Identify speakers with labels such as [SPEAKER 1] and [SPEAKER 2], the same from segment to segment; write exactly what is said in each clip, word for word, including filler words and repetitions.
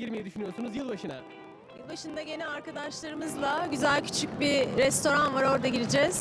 [SPEAKER 1] girmeyi düşünüyorsunuz yılbaşına?
[SPEAKER 2] Yılbaşında gene arkadaşlarımızla güzel küçük bir restoran var, orada gireceğiz.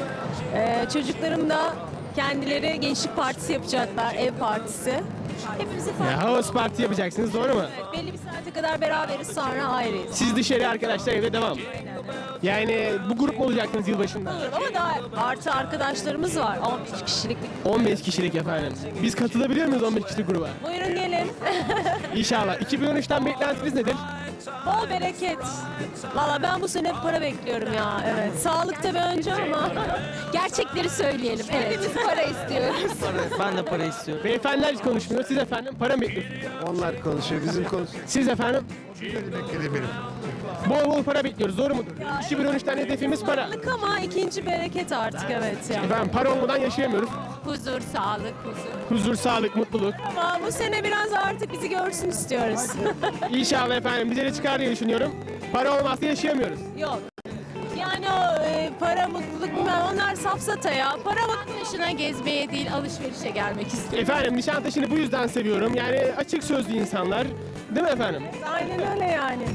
[SPEAKER 2] Ee, çocuklarım da kendileri gençlik partisi yapacaklar, ev partisi. Hepimizi
[SPEAKER 1] Ya,
[SPEAKER 2] farklı.
[SPEAKER 1] house party yapacaksınız, doğru mu?
[SPEAKER 2] Evet, belli bir saate kadar beraberiz, sonra ayrıyız.
[SPEAKER 1] Siz dışarı, arkadaşlar evde devam. Yani bu grup mu olacaksınız yılbaşında?
[SPEAKER 2] Olur ama daha artı arkadaşlarımız var, on beş kişilik.
[SPEAKER 1] on beş kişilik efendim. Biz katılabiliyor muyuz on beş kişilik gruba?
[SPEAKER 2] Buyurun gelin.
[SPEAKER 1] İnşallah. iki bin on üçten beklentiniz nedir?
[SPEAKER 2] Bol bereket. Valla ben bu sene para bekliyorum ya, evet. Sağlık tabii önce ama gerçekleri söyleyelim. Evet. Hepimiz para istiyoruz.
[SPEAKER 3] Ben de para istiyorum.
[SPEAKER 1] Beyefendiler hiç konuşmuyor. Siz efendim para mı bekliyorsunuz?
[SPEAKER 4] Onlar konuşuyor, bizim konuşuyoruz.
[SPEAKER 1] Siz efendim
[SPEAKER 4] Bekledim.
[SPEAKER 1] bol bol para bekliyoruz, doğru mudur? iki bin on üçten hedefimiz para.
[SPEAKER 2] Sağlık ama ikinci bereket artık, evet yani.
[SPEAKER 1] Efendim para olmadan yaşayamıyoruz.
[SPEAKER 2] Huzur, sağlık, huzur.
[SPEAKER 1] Huzur, sağlık, mutluluk.
[SPEAKER 2] Ama bu sene biraz artık bizi görsün istiyoruz.
[SPEAKER 1] İnşallah efendim bize de çıkar diye düşünüyorum. Para olmazsa yaşayamıyoruz.
[SPEAKER 2] Yok. Yani o e, para, mutluluk bilmem, onlar safsata ya. Para mutlu yaşına gezmeye değil, alışverişe gelmek istiyor.
[SPEAKER 1] Efendim Nişantaşı'nı bu yüzden seviyorum. Yani açık sözlü insanlar. Değil mi efendim?
[SPEAKER 2] Aynen öyle yani.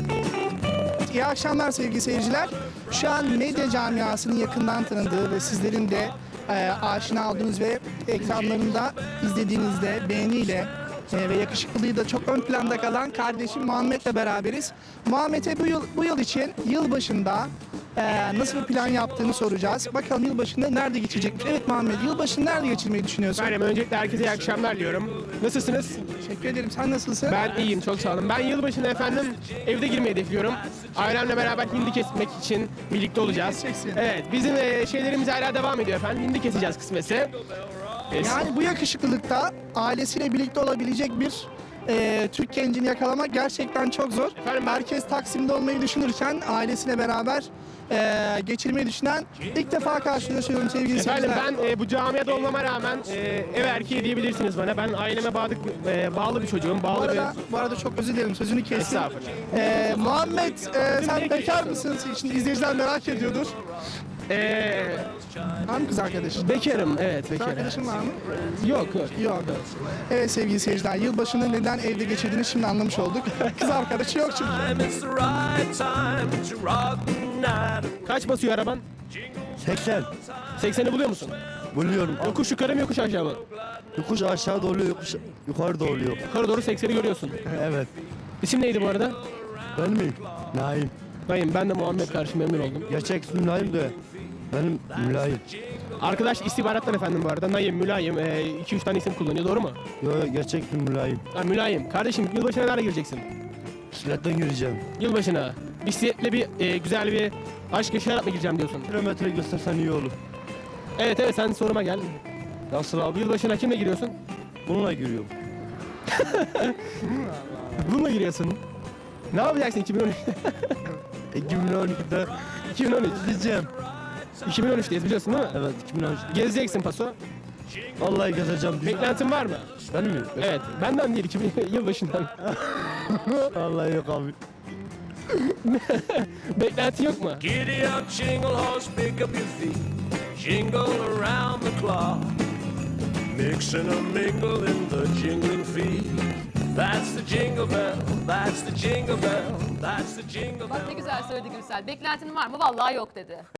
[SPEAKER 5] İyi akşamlar sevgili seyirciler. Şu an medya camiasının yakından tanıdığı ve sizlerin de e, aşina olduğunuz ve ekranlarında izlediğinizde beğeniyle e, ve yakışıklılığı da çok ön planda kalan kardeşim Muhammed'le beraberiz. Muhammed'e bu yıl, bu yıl için yılbaşında e, nasıl bir plan yaptığını soracağız. Bakalım yılbaşında nerede geçirecekmiş? Evet Muhammed, yılbaşını nerede geçirmeyi düşünüyorsun?
[SPEAKER 1] Efendim öncelikle herkese iyi akşamlar diyorum. Nasılsınız?
[SPEAKER 5] Teşekkür ederim. Sen nasılsın?
[SPEAKER 1] Ben iyiyim, çok sağ olun. Ben yılbaşında efendim evde girmeyi hedefliyorum. Ailemle beraber hindi kesmek için birlikte olacağız.
[SPEAKER 5] Keseceksin.
[SPEAKER 1] Evet, bizim e, şeylerimiz hala devam ediyor efendim. Hindi keseceğiz kısmetse. E,
[SPEAKER 5] Yani bu yakışıklılıkta ailesiyle birlikte olabilecek bir e, Türk gencini yakalamak gerçekten çok zor.
[SPEAKER 1] Efendim, ben-
[SPEAKER 5] Herkes Taksim'de olmayı düşünürken ailesiyle beraber e, geçirmeyi düşünen ilk defa karşılaşıyorum sevgili
[SPEAKER 1] Efendim
[SPEAKER 5] seyirciler.
[SPEAKER 1] ben e, bu camiada olmama rağmen e, ev erkeği diyebilirsiniz bana. Ben aileme bağlı, e, bağlı bir çocuğum.
[SPEAKER 5] Bu
[SPEAKER 1] Bağlı
[SPEAKER 5] arada, bu arada çok özür dilerim sözünü kestim.
[SPEAKER 1] Estağfurullah.
[SPEAKER 5] E, Muhammed e, sen bekar mısın? Şimdi izleyiciler merak ediyordur.
[SPEAKER 1] bir... E,
[SPEAKER 5] Var mı kız arkadaşın?
[SPEAKER 1] bekarım, evet
[SPEAKER 5] Kız
[SPEAKER 1] bekarım.
[SPEAKER 5] arkadaşın var mı?
[SPEAKER 1] Yok, yok.
[SPEAKER 5] Yok. Evet sevgili seyirciler, yılbaşını neden evde geçirdiğini şimdi anlamış olduk. Kız arkadaşı yok çünkü.
[SPEAKER 6] It's the right time to rock the night.
[SPEAKER 1] Kaç basıyor araban?
[SPEAKER 4] seksen.
[SPEAKER 1] sekseni buluyor musun?
[SPEAKER 4] Buluyorum.
[SPEAKER 1] Yokuş yukarı mı yokuş aşağı mı?
[SPEAKER 4] Yokuş aşağı da oluyor, yokuş yukarı da oluyor.
[SPEAKER 1] Yukarı doğru sekseni görüyorsun.
[SPEAKER 4] Evet.
[SPEAKER 1] İsim neydi bu arada?
[SPEAKER 4] Ben mi? Naim.
[SPEAKER 1] Dayım, ben de Muhammed, karşı memnun oldum.
[SPEAKER 4] Gerçek ismim Naim de benim mülayim.
[SPEAKER 1] Arkadaş istihbarattan efendim bu arada. Naim, mülayim, iki üç tane isim kullanıyor, doğru mu?
[SPEAKER 4] Yo, gerçek ismim mülayim.
[SPEAKER 1] Ha, mülayim. Kardeşim yılbaşına nereye gireceksin?
[SPEAKER 4] Bisikletten gireceğim.
[SPEAKER 1] Yılbaşına. Bisikletle bir e, güzel bir aşk yaşayarak mı gireceğim diyorsun?
[SPEAKER 4] Kilometre göstersen iyi olur.
[SPEAKER 1] Evet evet, sen soruma gel.
[SPEAKER 4] Nasıl abi?
[SPEAKER 1] Yılbaşına kimle giriyorsun?
[SPEAKER 4] Bununla giriyorum.
[SPEAKER 1] Bununla giriyorsun. Ne yapacaksın iki bin on üçte?
[SPEAKER 4] iki bin on ikide
[SPEAKER 1] iki bin on üç.
[SPEAKER 4] gideceğim.
[SPEAKER 1] iki bin on üçteyiz biliyorsun değil mi?
[SPEAKER 4] Evet, iki bin on üç.
[SPEAKER 1] Gezeceksin paso.
[SPEAKER 4] Vallahi gezeceğim.
[SPEAKER 1] Beklentin var mı?
[SPEAKER 4] Ben mi?
[SPEAKER 1] Evet. Benden değil, iki bin yılbaşından.
[SPEAKER 4] Vallahi yok abi.
[SPEAKER 1] Beklentin yok mu?
[SPEAKER 6] Giddy up, jingle horse, pick up your feet. Jingle around the clock. Mix and a mingle in the jingling feet. That's the jingle bell, that's the jingle bell, that's the jingle bell.
[SPEAKER 7] Bak ne güzel söyledi Gülsel. Beklentin var mı? Vallahi yok dedi.